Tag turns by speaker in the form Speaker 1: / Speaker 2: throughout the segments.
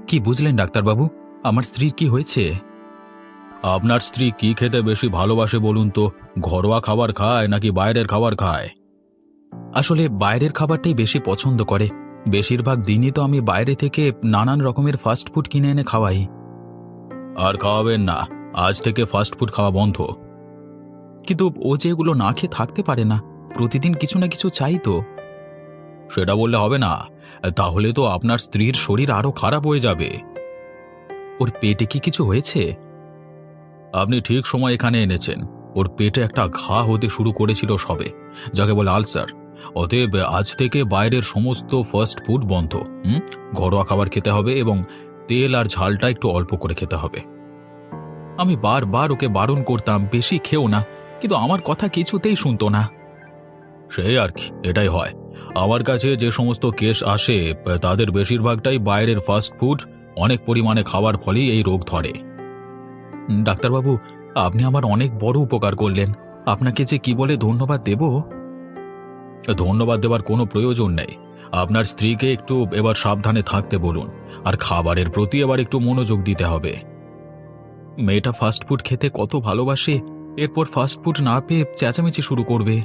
Speaker 1: কি বুঝলেন ডাক্তারবাবু? আমার স্ত্রীর কি হয়েছে? আপনার স্ত্রী কি খেতে বেশি ভালোবাসে বলুন তো? ঘরোয়া খাবার খায় নাকি বাইরের খাবার খায়? আসলে বাইরের খাবারটাই বেশি পছন্দ করে। বেশিরভাগ দিনই তো আমি বাইরে থেকে নানান রকমের ফাস্ট ফুড কিনে এনে খাওয়াই। আর খাওয়াবেন না, আজ থেকে ফাস্ট ফুড খাওয়া বন্ধ। কিন্তু ও যে এগুলো না খেয়ে থাকতে পারে না, প্রতিদিন কিছু না কিছু চাই তো। সেটা বললে হবে না, তাহলে তো আপনার স্ত্রীর শরীর আরো খারাপ হয়ে যাবে। ওর পেটে কি কিছু হয়েছে? আপনি ঠিক সময় এখানে এনেছেন। ওর পেটে একটা ঘা হতে শুরু করেছিল সবে, যাকে বলে আলসার। অতএব আজ থেকে বাইরের সমস্ত ফাস্ট ফুড বন্ধ। ঘরোয়া খাবার খেতে হবে এবং তেল আর ঝালটা একটু অল্প করে খেতে হবে। আমি বারবার ওকে বারণ করতাম বেশি খেও না, কিন্তু আমার কথা কিছুতেই শুনতো না। সেই আর কি, এটাই হয়। আমার কাছে যে সমস্ত কেস আসে তাদের বেশিরভাগটাই বাইরের ফাস্ট ফুড অনেক পরিমাণে খাওয়ার ফলেই এই রোগ ধরে। ডাক্তারবাবু, আপনি আমার অনেক বড় উপকার করলেন। আপনাকে যে কি বলে ধন্যবাদ দেব। ধন্যবাদ দেওয়ার কোনো প্রয়োজন নেই। আপনার স্ত্রীকে একটু এবার সাবধানে থাকতে বলুন, আর খাবারের প্রতি এবার একটু মনোযোগ দিতে হবে। মেয়েটা ফাস্টফুড খেতে কত ভালোবাসে, এরপর ফাস্টফুড না পেয়ে চেঁচামেচি শুরু করবে।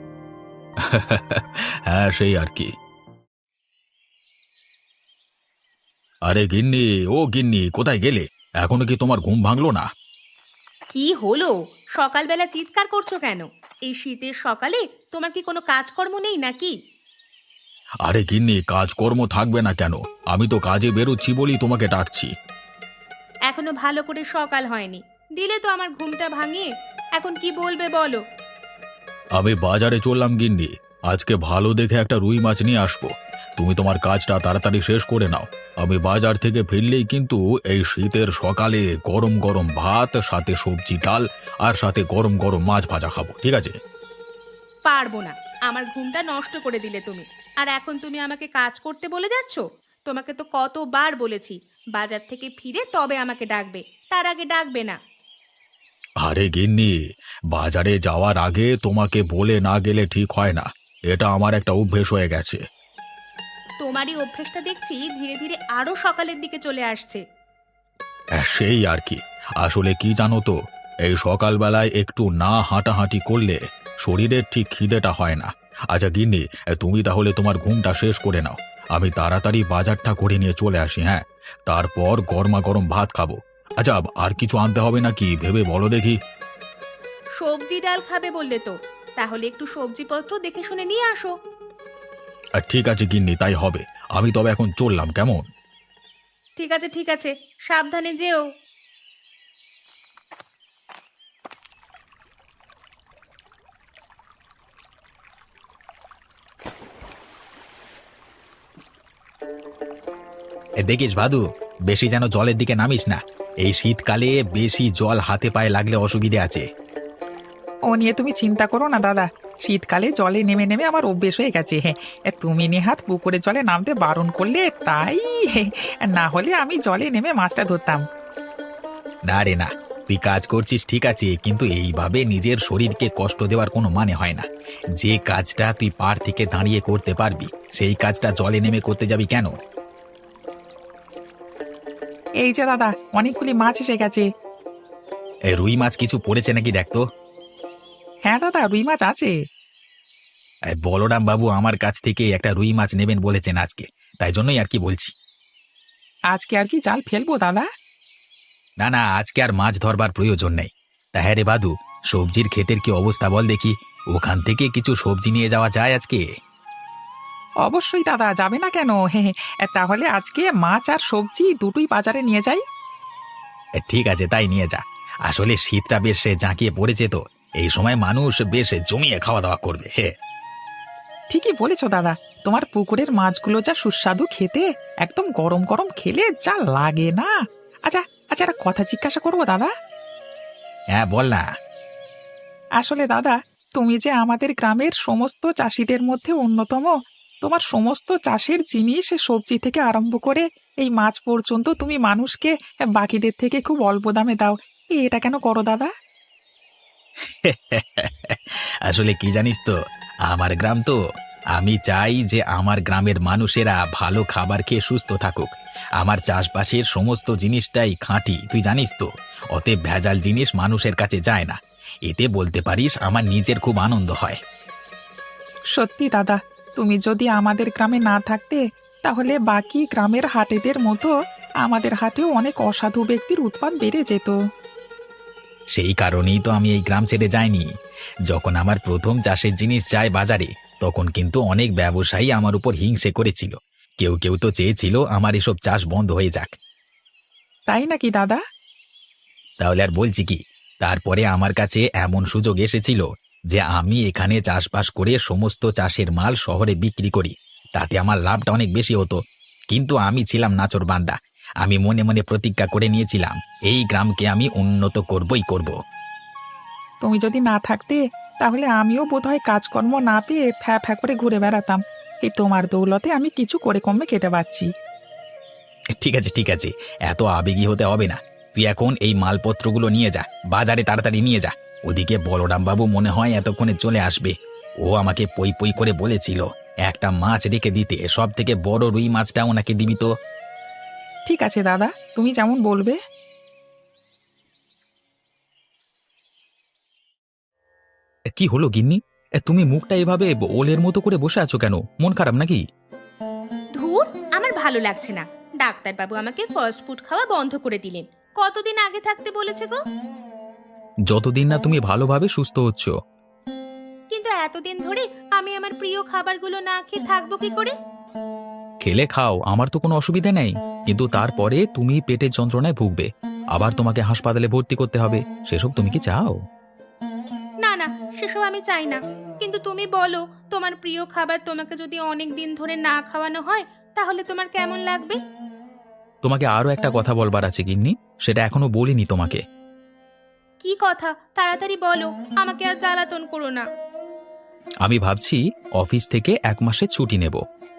Speaker 1: হ্যাঁ, সেই আর কি। আরে গিন্নি, ও গিন্নি, কোথায় গেলে? এখনো কি তোমার ঘুম ভাঙলো না?
Speaker 2: কি হলো? সকালবেলা চিৎকার করছো কেন? এই শীতের সকালে তোমার কি কোনো কাজকর্ম নেই নাকি?
Speaker 1: আরে গিন্নি, কাজকর্ম থাকবে না কেন? আমি তো কাজে বেরোচ্ছি বলি তোমাকে ডাকছি।
Speaker 2: এখনো ভালো করে সকাল হয়নি, দিলে তো আমার ঘুমটা ভাঙিয়ে। এখন কি বলবে বলো?
Speaker 1: আমি বাজারে চললাম গিন্নি, আজকে ভালো দেখে একটা রুই মাছ নিয়ে আসবো। তুমি তোমার কাজটা তাড়াতাড়ি শেষ করে নাও। আমি বাজার থেকে ফিরলেই কিন্তু এই শীতের সকালে গরম গরম ভাত, সাথে সবজি ডাল, আর সাথে গরম গরম মাছ ভাজা খাবো, ঠিক আছে?
Speaker 2: পারবো না, আমার ঘুমটা নষ্ট করে দিলে তুমি। আর এখন তুমি আমাকে কাজ করতে বলে যাচ্ছ? তোমাকে তো কতবার বলেছি বাজার থেকে ফিরে তবে আমাকে ডাকবে, তার আগে ডাকবে না।
Speaker 1: আরে গিন্নি, বাজারে যাওয়ার আগে তোমাকে বলে না গেলে ঠিক হয় না। এটা আমার একটা অভ্যেস হয়ে গেছে।
Speaker 2: তোমারই অভ্যেসটা দেখছি ধীরে ধীরে আরো সকালের দিকে চলে আসছে।
Speaker 1: সেই আর কি। আসলে কি জানো তো, এই সকালবেলায় একটু না হাঁটাহাঁটি করলে শরীরের ঠিক খিদেটা হয় না। আচ্ছা গিন্নি, তুমি তাহলে তোমার ঘুমটা শেষ করে নাও। আমি তাড়াতাড়ি বাজারটা করে নিয়ে চলে আসি, হ্যাঁ? তারপর গরমা গরম ভাত খাবো। আচ্ছা, আর কিছু আনতে হবে নাকি ভেবে বলো দেখি।
Speaker 2: সবজি ডাল খাবে বললে তো, তাহলে একটু সবজিপত্র দেখে শুনে নিয়ে আসো।
Speaker 1: ঠিক আছে গিন্নি, তাই হবে। আমি তবে এখন চললাম, কেমন?
Speaker 2: ঠিক আছে ঠিক আছে, সাবধানে যেও।
Speaker 3: দেখিস ভাদু, বেশি যেন জলের দিকে নামিস না। এই শীতকালে বেশি জল হাতে পায়ে লাগলে অসুবিধে আছে।
Speaker 4: ও নিয়ে তুমি চিন্তা করো না দাদা। শীতকালে জলে নেমে নেমে আমার অভ্যেস হয়ে গেছে। হ্যাঁ, তুমি নেহাত পুকুরের জলে নামতে বারণ করলে তাই। না হলে আমি জলে নেমে মাছটা ধরতাম।
Speaker 3: না রে না, তুই কাজ করছিস ঠিক আছে, কিন্তু এইভাবে নিজের শরীরকে কষ্ট দেওয়ার কোনো মানে হয় না। যে কাজটা তুই পাড় থেকে দাঁড়িয়ে করতে পারবি, সেই কাজটা জলে নেমে করতে যাবি কেন?
Speaker 4: এই যে দাদা, অনেকগুলি মাছ এসে গেছে।
Speaker 3: রুই মাছ কিছু পড়েছে নাকি দেখতো।
Speaker 4: হ্যাঁ দাদা, রুই মাছ আছে।
Speaker 3: বলরাম বাবু আমার কাছ থেকে একটা রুই মাছ নেবেন বলেছেন আজকে, তাই জন্যই আর কি বলছি।
Speaker 4: আজকে আর কি জাল ফেলবো দাদা?
Speaker 3: না না, আজকে আর মাছ ধরবার প্রয়োজন নেই। তা হ্যাঁ রে বাদু, সবজির ক্ষেতের কি অবস্থা বল দেখি। ওখান থেকে কিছু সবজি নিয়ে যাওয়া যায় আজকে?
Speaker 4: অবশ্যই দাদা, যাবে না কেন? হ্যাঁ, তাহলে আজকে মাছ আর সবজি দুটোই বাজারে নিয়ে যাই।
Speaker 3: ঠিক আছে, তাই নিয়ে যা। আসলে শীতটা বেশ জাঁকিয়ে পড়েছে তো, এই সময় মানুষ বেশ জমিয়ে খাওয়া দাওয়া করবে। হে,
Speaker 4: ঠিকই বলেছো দাদা, তোমার পুকুরের মাছগুলো যা সুস্বাদু খেতে, একদম গরম গরম খেলে যা লাগে না। আচ্ছা আচ্ছা, একটা কথা জিজ্ঞাসা করবো দাদা?
Speaker 3: হ্যাঁ বল না।
Speaker 4: আসলে দাদা, তুমি যে আমাদের গ্রামের সমস্ত চাষিদের মধ্যে অন্যতম, তোমার সমস্ত চাষের জিনিস সবজি থেকে আরম্ভ করে এই মাছ পর্যন্ত তুমি মানুষকে বাকিদের থেকে খুব অল্প দামে দাও। এটা কেন করো দাদা?
Speaker 3: আসলে কি জানিস তো, আমার গ্রাম তো, আমি চাই যে আমার গ্রামের মানুষেরা ভালো খাবার খেয়ে সুস্থ থাকুক। আমার চাষবাসের সমস্ত জিনিসটাই খাঁটি, তুই জানিস তো। অতএব ভেজাল জিনিস মানুষের কাছে যায় না। এতে বলতে পারিস আমার নিজের খুব আনন্দ হয়।
Speaker 4: সত্যি দাদা, তুমি যদি আমাদের গ্রামে না থাকতে তাহলে বাকি গ্রামের হাটেদের মতো আমাদের হাটেও অনেক অসাধু ব্যক্তির উৎপাত বেড়ে যেত।
Speaker 3: সেই কারণেই তো আমি এই গ্রাম ছেড়ে যাইনি। যখন আমার প্রথম চাষের জিনিস যায় বাজারে, তখন কিন্তু অনেক ব্যবসায়ী আমার উপর হিংসে করেছিল। কেউ কেউ তো চেয়েছিল আমার এসব চাষ বন্ধ হয়ে যাক।
Speaker 4: তাই নাকি দাদা?
Speaker 3: তাহলে আর বলছি কি, তারপরে আমার কাছে এমন সুযোগ এসেছিল যে আমি এখানে চাষবাস করে সমস্ত চাষের মাল শহরে বিক্রি করি। তাতে আমার লাভটা অনেক বেশি হতো। কিন্তু আমি ছিলাম নাছোড়বান্দা। আমি মনে মনে প্রতিজ্ঞা করে নিয়েছিলাম, এই গ্রামকে আমি উন্নত করবই করব।
Speaker 4: তুমি যদি না থাকতে তাহলে আমিও বোধহয় কাজকর্ম না পেয়ে ফ্যা ফ্যা করে ঘুরে বেড়াতাম। এই তোমার দৌলতে আমি কিছু করে কমে খেতে পারছি।
Speaker 3: ঠিক আছে ঠিক আছে, এত আবেগী হতে হবে না। তুই এখন এই মালপত্রগুলো নিয়ে যা, বাজারে তাড়াতাড়ি নিয়ে যা। ওদিকে বলরাম বাবু মনে হয় এতক্ষণে চলে আসবে। ও আমাকে পই পই করে বলেছিল একটা মাছ রেখে দিতে, সব থেকে বড় রুই মাছটা ওনাকে দিবি তো।
Speaker 4: ঠিক আছে দাদা, তুমি যেমন বলবে।
Speaker 1: কি হলো গিন্নি? তুমি মুখটা এভাবে ওলের মতো করে বসে আছো কেন? মন খারাপ নাকি?
Speaker 2: ধুর, আমার ভালো লাগছে না। ডাক্তারবাবু আমাকে ফাস্ট ফুড খাওয়া বন্ধ করে দিলেন। কতদিন আগে থাকতে বলেছে গো?
Speaker 1: যতদিন না তুমি ভালোভাবে সুস্থ হচ্ছ।
Speaker 2: কিন্তু এতদিন ধরে আমি আমার প্রিয় খাবারগুলো না খেয়ে থাকবো কি করে?
Speaker 1: খেলে খাও, আমার তো কোনো অসুবিধা নেই। কিন্তু তারপরে তুমি পেটের যন্ত্রণায় ভুগবে, আবার তোমাকে হাসপাতালে ভর্তি করতে হবে। সেসব তুমি কি চাও?
Speaker 2: না না, সেসব আমি চাই না। কিন্তু তুমি বলো, তোমার প্রিয় খাবার তোমাকে যদি অনেক দিন ধরে না খাওয়ানো হয় তাহলে তোমার কেমন লাগবে?
Speaker 1: তোমাকে আরো একটা কথা বলবার আছে গিন্নি, সেটা এখনো বলিনি তোমাকে।
Speaker 2: কি কথা? তাড়াতাড়ি বলো, আমাকে আর জ্বালাতন করো না।
Speaker 1: আমি ভাবছি অফিস থেকে 1 মাসের ছুটি নেব।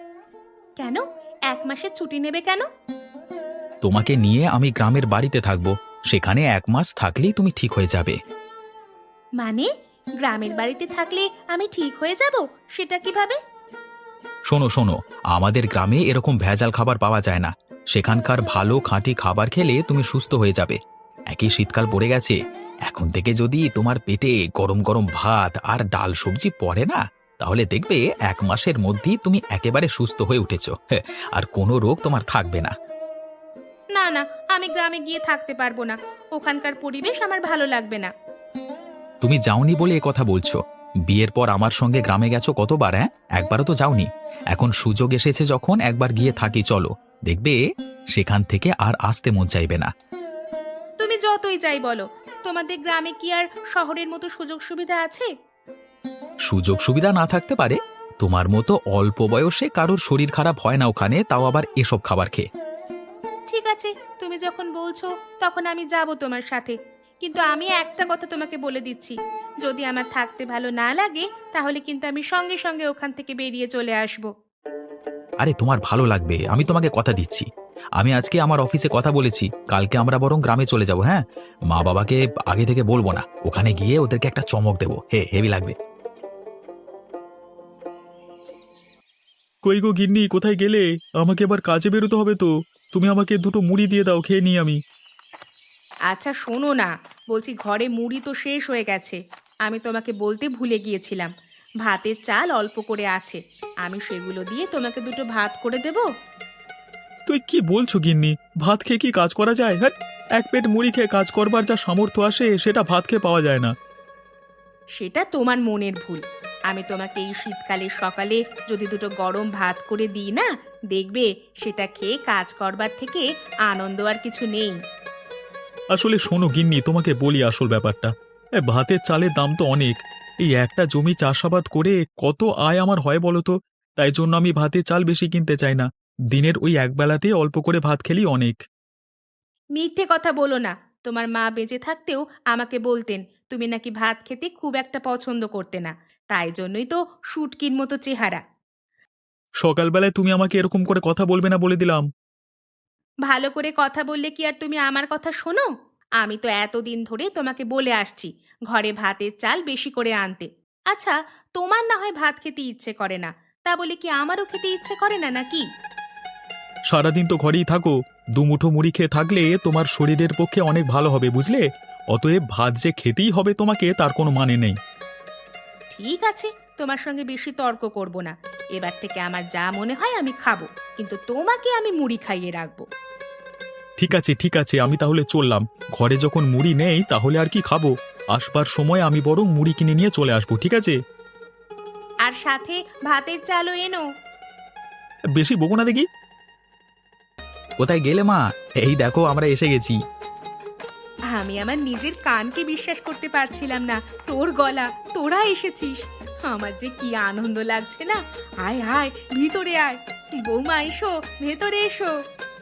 Speaker 2: কেন? 1 মাসের ছুটি নেবে কেন?
Speaker 1: তোমাকে নিয়ে আমি গ্রামের বাড়িতে থাকবো। সেখানে 1 মাস থাকলেই তুমি ঠিক হয়ে যাবে।
Speaker 2: মানে গ্রামের বাড়িতে থাকলে আমি ঠিক হয়ে যাব? সেটা কিভাবে?
Speaker 1: শোনো শোনো, আমাদের গ্রামে এরকম ভেজাল খাবার পাওয়া যায় না। সেখানকার ভালো খাঁটি খাবার খেলে তুমি সুস্থ হয়ে যাবে। একই শীতকাল পড়ে গেছে, এখন থেকে যদি তোমার পেটে গরম গরম ভাত আর ডাল সবজি পড়ে না, তাহলে দেখবে 1 মাসের মধ্যেই তুমি একেবারে সুস্থ হয়ে উঠেছো। আর কোনো রোগ তোমার থাকবে না।
Speaker 2: না না, আমি গ্রামে গিয়ে থাকতে পারবো না। ওখানকার পরিবেশ আমার ভালো লাগবে না।
Speaker 1: তুমি যাওনি বলে এ কথা বলছো। বিয়ের পর আমার সঙ্গে গ্রামে গেছো কতবার? একবারও তো যাওনি। এখন সুযোগ এসেছে যখন, একবার গিয়ে থাকি চলো। দেখবে সেখান থেকে আর আসতে মন চাইবে না।
Speaker 2: তুমি যতই যাই বলো, তোমাদের গ্রামে কি আর শহরের মতো সুযোগ সুবিধা আছে?
Speaker 1: সুযোগ সুবিধা না থাকতে পারে, তোমার মতো অল্প বয়সে কারোর শরীর খারাপ হয় না ওখানে, তাও আবার এসব খাবার খেয়ে।
Speaker 2: ঠিক আছে, তুমি যখন বলছো তখন আমি যাব তোমার সাথে। কিন্তু আমি একটা কথা তোমাকে বলে দিচ্ছি, যদি আমার থাকতে ভালো না লাগে তাহলে কিন্তু আমি সঙ্গে সঙ্গে ওখান থেকে বেরিয়ে চলে আসব।
Speaker 1: আরে তোমার ভালো লাগবে, আমি তোমাকে কথা দিচ্ছি। আমি আজকে আমার অফিসে কথা বলেছি, কালকে আমরা বরং গ্রামে চলে যাব। হ্যাঁ, মা বাবাকে আগে থেকে বলবো না, ওখানে গিয়ে ওদেরকে একটা চমক দেবো। হেভি লাগবে।
Speaker 5: কই গো গিন্নি, কোথায় গেলে? আমাকে এবার কাজে বেরোতে হবে তো। তুমি আমাকে দুটো মুড়ি দিয়ে দাও, খেয়ে নিই আমি।
Speaker 2: আচ্ছা শোনো না, বলছি ঘরে মুড়ি তো শেষ হয়ে গেছে। আমি তোমাকে বলতে ভুলে গিয়েছিলাম, ভাতের চাল অল্প করে আছে। আমি সেগুলো দিয়ে তোমাকে দুটো ভাত করে দেব।
Speaker 5: তুই কি বলছো গিন্নি? ভাত খেয়ে কি কাজ করা যায়? হ্যাঁ, এক পেট মুড়ি খেয়ে কাজ করবার যা সামর্থ্য আসে সেটা ভাত খেয়ে পাওয়া যায় না।
Speaker 2: সেটা তোমার মনের ভুল। আমি তোমাকে এই শীতকালের সকালে যদি দুটো গরম ভাত করে দিই না, দেখবে সেটা খেয়ে কাজ করবার থেকে আনন্দ আর কিছু নেই।
Speaker 5: আসলে শোনো গিন্নি, তোমাকে বলি আসল ব্যাপারটা। ভাতের চালের দাম তো অনেক। এই একটা জমি চাষাবাদ করে কত আয় আমার হয় বলো তো? তাই জন্য আমি ভাতের চাল বেশি কিনতে চাই না। দিনের ওই একবেলাতে অল্প করে ভাত খেলেই অনেক।
Speaker 2: মিথ্যে কথা বলো না। তোমার মা বেঁচে থাকতেও আমাকে বলতেন তুমি নাকি ভাত খেতে খুব একটা পছন্দ করতে না, তাই জন্যই তো শুটকির মতো চেহারা।
Speaker 5: সকালবেলায় তুমি আমাকে এরকম করে কথা বলবে না বলে দিলাম।
Speaker 2: ভালো করে কথা বললে কি আর তুমি আমার কথা শোনো? আমি তো এতদিন ধরে তোমাকে বলে আসছি ঘরে ভাতের চাল বেশি করে আনতে। আচ্ছা, তোমার না হয় ভাত খেতে ইচ্ছে করে না, তা বলে কি আমারও খেতে ইচ্ছে করে না নাকি?
Speaker 5: সারাদিন তো ঘরেই থাকো, দুমুঠো মুড়ি খেয়ে থাকলে তোমার শরীরের পক্ষে অনেক ভালো হবে, বুঝলে? অতএব ভাত যে খেতেই হবে তোমাকে তার কোনো মানে নেই।
Speaker 2: ঠিক আছে, তোমার সঙ্গে বেশি তর্ক করব না। এবার থেকে আমার যা মনে হয় আমি খাবো, কিন্তু তোমাকে আমি মুড়ি খাইয়ে রাখবো।
Speaker 5: ঠিক আছে, আমি তাহলে চললাম। ঘরে যখন মুড়ি নেই তাহলে আর কি খাবো? আসবার সময় আমি বরং মুড়ি কিনে নিয়ে চলে আসবো, ঠিক আছে?
Speaker 2: আর সাথে ভাতের চালও এনো।
Speaker 5: বেশি বকো না দেখি।
Speaker 3: কোথায় গেলে মা? এই দেখো আমরা এসে গেছি।
Speaker 2: আমি আমার নিজের কানকে বিশ্বাস করতে পারছিলাম না। তোর গলা, তোরা এসেছিস, আমার যে কি আনন্দ লাগছে না। আয় আয়, ভিতরে আয়। বৌমা এসো, ভেতরে এসো।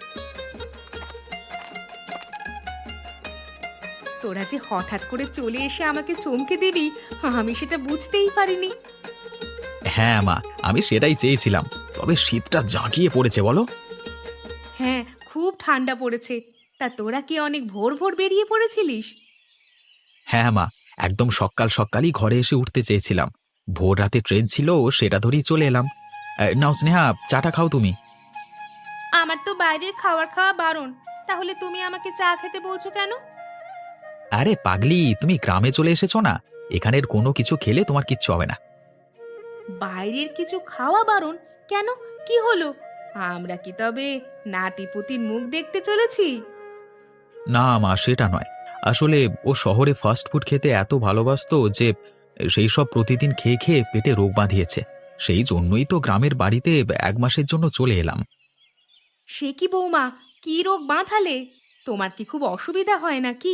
Speaker 2: তোরা যে হঠাৎ করে চলে এসে আমাকে চমকে দিবি, আমি সেটা বুঝতেই পারিনি।
Speaker 3: হ্যাঁ মা, আমি সেটাই চেয়েছিলাম। তবে শীতটা জাঁকিয়ে পড়েছে বলো।
Speaker 2: হ্যাঁ, খুব ঠান্ডা পড়েছে। তা তোরা কি অনেক ভোর ভোর বেরিয়ে পড়েছিলিস?
Speaker 3: হ্যাঁ মা, একদম সকাল সকালই ঘরে এসে উঠতে চেয়েছিলাম। ভোর রাতে ট্রেন ছিল, সেটা ধরেই চলে এলাম। নাও স্নেহা, চাটা খাও তুমি।
Speaker 2: আমার তো বাইরের খাওয়া বারণ, তাহলে তুমি আমাকে চা খেতে বলছো কেন?
Speaker 3: আরে পাগলি, তুমি গ্রামে চলে এসেছো না, এখানের কোনো কিছু খেলে তোমার কিচ্ছু হবে না।
Speaker 2: বাইরের কিছু খাওয়া বারণ কেন? কি হলো? আমরা কি তবে নাতিপুতির মুখ দেখতে চলেছি?
Speaker 3: না মা, সেটা নয়। আসলে ও শহরে ফাস্ট ফুড খেতে এত ভালোবাসতো যে সেই সব প্রতিদিন খেয়ে খেয়ে পেটে রোগ বাঁধিয়েছে। সেই জন্যই তো গ্রামের বাড়িতে 1 মাসের জন্য চলে এলাম।
Speaker 2: সে কি বৌমা, কি রোগ বাঁধালে? তোমার কি খুব অসুবিধা হয় নাকি?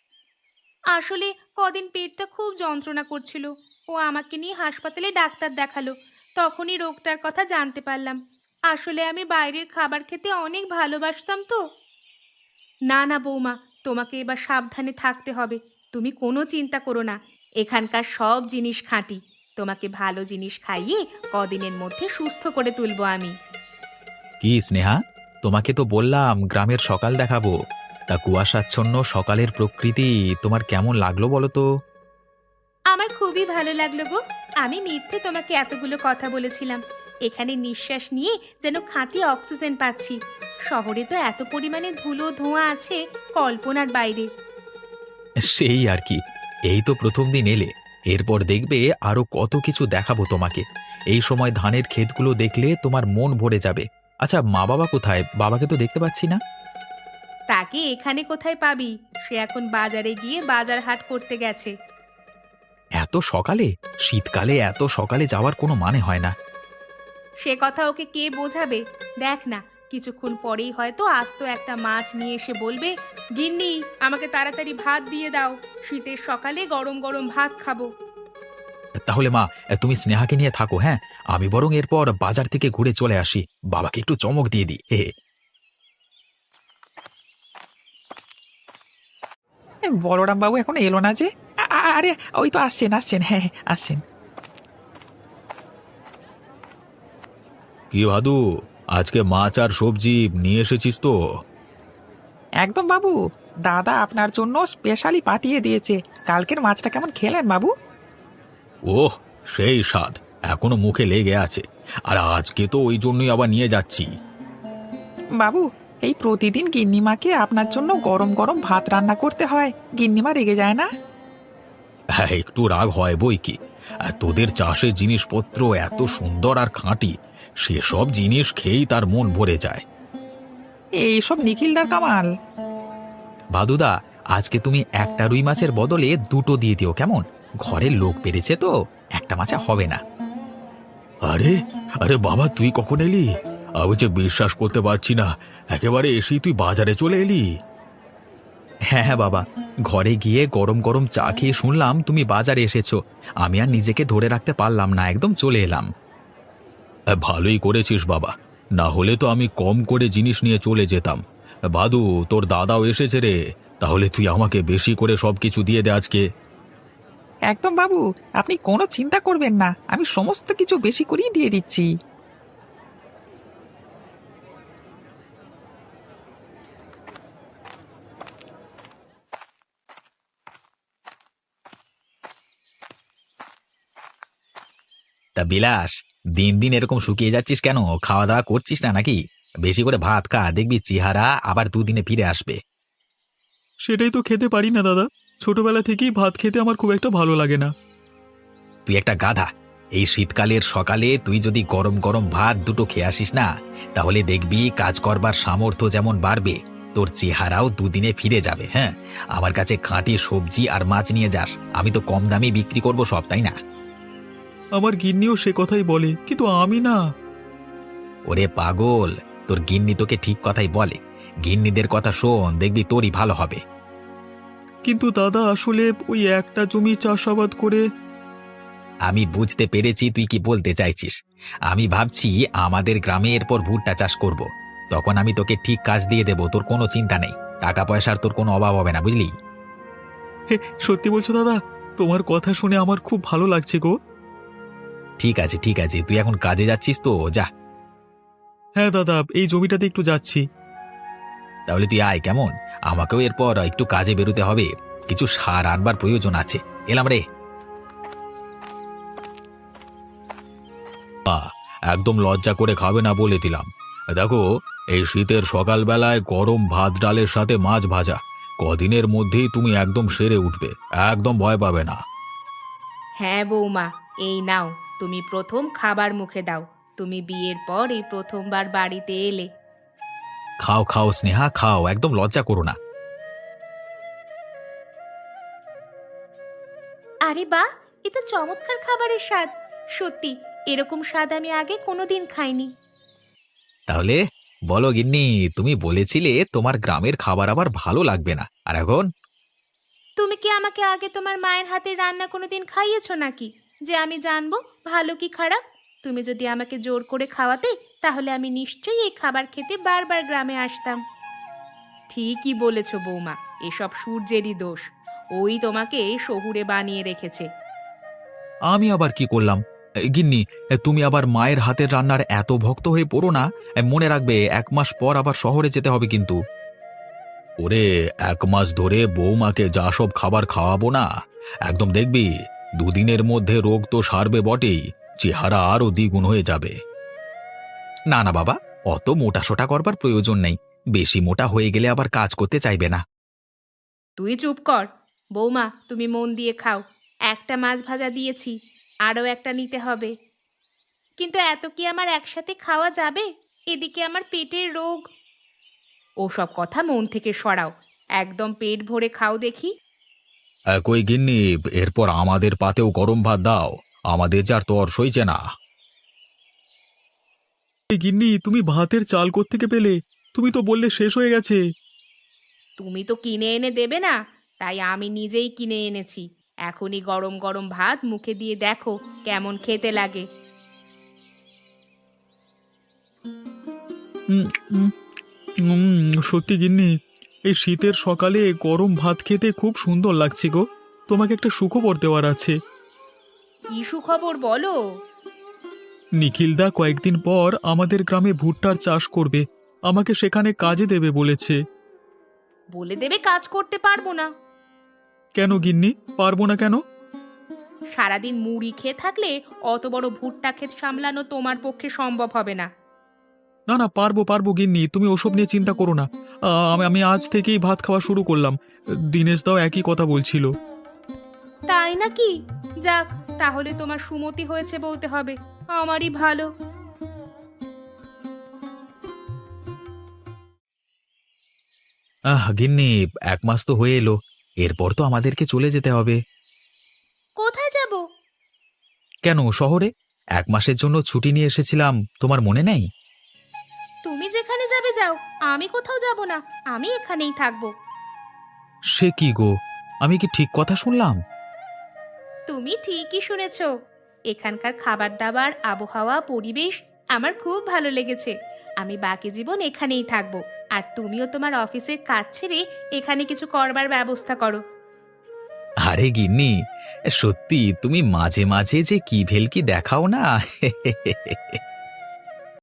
Speaker 2: আসলে কদিন পেটটা খুব যন্ত্রণা করছিল, ও আমাকে নিয়ে হাসপাতালে ডাক্তার দেখালো। তখনই রোগটার কথা জানতে পারলাম। আসলে আমি বাইরের খাবার খেতে অনেক ভালোবাসতাম তো। না না বৌমা, তোমাকে এবার সাবধানে থাকতে হবে। তুমি কোনো চিন্তা করো না, এখানকার সব জিনিস খাঁটি। তোমাকে ভালো জিনিস খাইয়ে কদিনের মধ্যে সুস্থ করে তুলবো আমি।
Speaker 3: কি স্নেহা, তোমাকে তো বললাম গ্রামের সকাল দেখাবো। তা কুয়াশাচ্ছন্ন সকালের প্রকৃতি তোমার কেমন লাগলো বলো তো?
Speaker 2: আমার খুবই ভালো লাগলো গো। আমি মিথ্যে তোমাকে এতগুলো কথা বলেছিলাম। এখানে নিঃশ্বাস নিয়ে যেন খাঁটি অক্সিজেন পাচ্ছি। শহরে তো এত পরিমাণে ধুলো ধোঁয়া আছে, কল্পনার বাইরে।
Speaker 3: সেই আর কি। এই তো প্রথম দিন এলে, এরপর দেখবে আরো কত কিছু দেখাবো তোমাকে। এই সময় ধানের ক্ষেতগুলো দেখলে তোমার মন ভরে যাবে। আচ্ছা, মা বাবা কোথায়? বাবাকে তো দেখতে পাচ্ছি না।
Speaker 2: তাকে এখানে কোথায় পাবি? সে এখন বাজারে গিয়ে বাজার হাট করতে গেছে।
Speaker 3: এত সকালে? শীতকালে এত সকালে যাওয়ার কোনো মানে হয় না।
Speaker 2: সে কথা ওকে কে বোঝাবে? দেখ না, কিছুক্ষণ পরেই হয়তো আস্ত একটা মাছ নিয়ে এসে বলবে, গিন্নি আমাকে তাড়াতাড়ি ভাত দিয়ে দাও, শীতের সকালে গরম গরম ভাত খাবো।
Speaker 3: তাহলে মা, তুমি স্নেহাকে নিয়ে থাকো। হ্যাঁ, আমি বরং এরপর বাজার থেকে ঘুরে চলে আসি, বাবাকে একটু চমক দিয়ে দিই। হে।
Speaker 4: বলরাম বাবু এখনো এলো না যে? আরে ওই তো আসছেন আসছেন, হ্যাঁ হ্যাঁ, আসছেন।
Speaker 1: কি ভাদু, আজকে মাছ আর সবজি নিয়ে এসেছিস তো?
Speaker 4: একদম বাবু, দাদা আপনার জন্য স্পেশালি পাঠিয়ে দিয়েছে। কালকের মাছটা কেমন খেলেন বাবু?
Speaker 1: ওহ, সেই স্বাদ এখনো মুখে লেগে আছে। আর আজকে তো ওই জন্যই আবার নিয়ে যাচ্ছি।
Speaker 4: বাবু, এই প্রতিদিন গিন্নিমাকে আপনার জন্য গরম গরম ভাত রান্না করতে হয়, গিন্নিমা রেগে যায় না?
Speaker 1: হ্যাঁ, একটু রাগ হয় বই কি। আর তোদের চাষের জিনিসপত্র এত সুন্দর আর খাঁটি, সেসব জিনিস খেয়েই তার মন ভরে যায়।
Speaker 4: এইসব নিখিলদার কামাল।
Speaker 3: ভাদুদা, আজকে তুমি একটা রুই মাছের বদলে 2টো দিয়ে দিও কেমন? ঘরের লোক বেড়েছে তো, একটা মাছে হবে না।
Speaker 1: আরে আরে বাবা, তুই কখন এলি? আমি যে বিশ্বাস করতে পারছি না, একেবারে এসেই তুই বাজারে চলে এলি।
Speaker 3: হ্যাঁ হ্যাঁ বাবা, ঘরে গিয়ে গরম গরম চা খেয়ে শুনলাম তুমি বাজারে এসেছো। আমি আর নিজেকে ধরে রাখতে পারলাম না, একদম চলে এলাম।
Speaker 1: ভালোই করেছিস বাবা, না হলে তো আমি কম করে জিনিস নিয়ে চলে যেতাম। ভাদু, তোর দাদাও এসেছে রে, তাহলে তুই আমাকে বেশি করে সবকিছু দিয়ে দে আজকে।
Speaker 4: একদম বাবু, আপনি কোনো চিন্তা করবেন না, আমি সমস্ত কিছু বেশি করেই দিয়ে দিচ্ছি।
Speaker 3: তা বিলাস, দিন দিন এরকম শুকিয়ে যাচ্ছিস কেন? খাওয়া দাওয়া করছিস না নাকি? বেশি করে ভাত খা, দেখবি চেহারা আবার দুদিনে ফিরে আসবে।
Speaker 5: সেটাই তো খেতে পারি না দাদা, ছোটবেলা থেকেই ভাত খেতে আমার খুব একটা ভালো লাগে না।
Speaker 3: তুই একটা গাধা। এই শীতকালের সকালে তুই যদি গরম গরম ভাত দুটো খেয়ে আসিস না, তাহলে দেখবি কাজ করবার সামর্থ্য যেমন বাড়বে, তোর চেহারাও দুদিনে ফিরে যাবে। হ্যাঁ, আমার কাছে খাঁটি সবজি আর মাছ নিয়ে যাস, আমি তো কম দামে বিক্রি করব সব, তাই না?
Speaker 5: আমার গিন্নিও সে কথাই বলে, কিন্তু আমি না।
Speaker 3: ওরে পাগল, তোর গিন্নি তোকে ঠিক কথাই বলে। গিন্নিদের কথা শোন, দেখবি তোরই ভালো হবে।
Speaker 5: কিন্তু দাদা আসলে ওই একটা জমি চাষাবাদ করে।
Speaker 3: আমি বুঝতে পেরেছি তুই কি বলতে চাইছিস। আমি ভাবছি আমাদের গ্রামে এরপর ভুট্টা চাষ করব। তখন আমি তোকে ঠিক কাজ দিয়ে দেব, তোর কোনো চিন্তা নেই। টাকা পয়সার তোর কোনো অভাব হবে না, বুঝলি?
Speaker 5: হে, সত্যি বলছো দাদা? তোমার কথা শুনে আমার খুব ভালো লাগছে গো।
Speaker 3: ঠিক আছে ঠিক আছে, তুই এখন কাজে যাচ্ছিস তো, যা।
Speaker 5: হ্যাঁ দাদা, এই জমিটাতে একটু যাচ্ছি।
Speaker 3: তাহলে তুই আয় কেমন, আমাকেও এরপর একটু কাজে বেরোতে হবে, কিছু সার আনবার প্রয়োজন আছে। এলাম রে। একদম লজ্জা করে খাবে না বলে দিলাম। দেখো, এই শীতের সকালবেলায় গরম ভাত ডালের সাথে মাছ ভাজা, কদিনের মধ্যেই তুমি একদম সেরে উঠবে, একদম ভয় পাবে না।
Speaker 2: হ্যাঁ বৌমা, এই নাও, তুমি প্রথম খাবার মুখে দাও। তুমি বিয়ের পর এই প্রথমবার বাড়িতে এলে।
Speaker 3: খাও খাও স্নেহা, খাও, একদম লজ্জা করো না।
Speaker 2: আরে বাহ, এ তো চমৎকার খাবারের স্বাদ। সত্যি, এরকম স্বাদ আমি আগে কোনোদিন খাইনি।
Speaker 3: তাহলে বলো গিন্নি, তুমি বলেছিলে তোমার গ্রামের খাবার আবার ভালো লাগবে না, আর এখন?
Speaker 2: তুমি কি আমাকে আগে তোমার মায়ের হাতের রান্না কোনোদিন খাইয়েছো নাকি, যে আমি জানবো ভালো কি খারাপ? তুমি যদি আমাকে জোর করে খাওয়াতে, তাহলে আমি নিশ্চয়ই এই খাবার খেতে বারবার গ্রামে আসতাম। ঠিকই বলেছো বৌমা, এসব সূর্যেরই দোষ। ওই তোমাকে শহুরে বানিয়ে রেখেছে।
Speaker 3: আমি আবার কি করলাম? গিন্নি, তুমি আবার মায়ের হাতের রান্নার এত ভক্ত হয়ে পড়ো না। মনে রাখবে, 1 মাস পর আবার শহরে যেতে হবে কিন্তু। ওরে, 1 মাস ধরে বৌমাকে যা সব খাবার খাওয়াবো না, একদম দেখবি দুদিনের মধ্যে রোগ তো সারবে বটেই, চেহারা আরও দ্বিগুণ হয়ে যাবে। না না বাবা, অত মোটাসোটা করবার প্রয়োজন নেই, বেশি মোটা হয়ে গেলে আবার কাজ করতে চাইবে না।
Speaker 2: তুই চুপ কর। বৌমা, তুমি মন দিয়ে খাও। একটা মাছ ভাজা দিয়েছি, আরও একটা নিতে হবে। কিন্তু এত কি আমার একসাথে খাওয়া যাবে? এদিকে আমার পেটের রোগ। ওসব কথা মন থেকে সরাও, একদম পেট ভরে খাও দেখি।
Speaker 3: কই গিন্নি, এরপর আমাদের পাতেও গরম ভাত দাও, আমাদের যার তর সইছে না।
Speaker 5: এই গিন্নি, তুমি ভাতের চাল কোত্থেকে পেলে? তুমি তো বললে শেষ হয়ে গেছে।
Speaker 2: তুমি তো কিনে এনে দেবে না, তাই আমি নিজেই কিনে এনেছি। এখনই গরম গরম ভাত মুখে দিয়ে দেখো কেমন খেতে লাগে।
Speaker 5: উম, উম, সত্যি গিন্নি, এই শীতের সকালে গরম ভাত খেতে খুব সুন্দর লাগছে গো। তোমাকে একটা সুখবর দেওয়ার আছে।
Speaker 2: কি সুখবর বলো?
Speaker 5: নিখিলদা কয়েকদিন পর আমাদের গ্রামে ভুট্টার চাষ করবে, আমাকে সেখানে কাজে দেবে বলেছে।
Speaker 2: বলে দেবে কাজ করতে পারবো না?
Speaker 5: কেন গিন্নি, পারবো না কেন?
Speaker 2: সারাদিন মুড়ি খেয়ে থাকলে অত বড় ভুট্টা ক্ষেত সামলানো তোমার পক্ষে সম্ভব হবে না।
Speaker 5: না না, পারবো পারবো গিন্নি, তুমি ওসব নিয়ে চিন্তা করো না। আমি আজ থেকেই ভাত খাওয়া শুরু করলাম। দিনেশ দাও একই কথা বলছিল।
Speaker 2: তাই নাকি? যাক, তাহলে তোমার সুমতি হয়েছে বলতে হবে। আমারই ভালো।
Speaker 3: গিন্নি, 1 মাস তো হয়ে এলো, এরপর তো আমাদেরকে চলে যেতে হবে।
Speaker 2: কোথায় যাব?
Speaker 3: কেন, শহরে 1 মাসের জন্য ছুটি নিয়ে এসেছিলাম, তোমার মনে নেই?
Speaker 2: তুমি যেখানে যাবে যাও, আমি কোথাও যাব না। আমি এখানেই থাকবো।
Speaker 3: সে কি গো, আমি কি ঠিক কথা শুনলাম?
Speaker 2: তুমি ঠিকই শুনেছ। এখানকার খাবার দাবার, আবহাওয়া, পরিবেশ আমার খুব ভালো লেগেছে। আমি বাকি জীবন এখানেই থাকবো। আর তুমিও তোমার অফিসের কাজ ছেড়ে এখানে কিছু করবার ব্যবস্থা করো।
Speaker 3: আরে গিন্নি, সত্যি তুমি মাঝে মাঝে যে কি ভেলকি দেখাও না।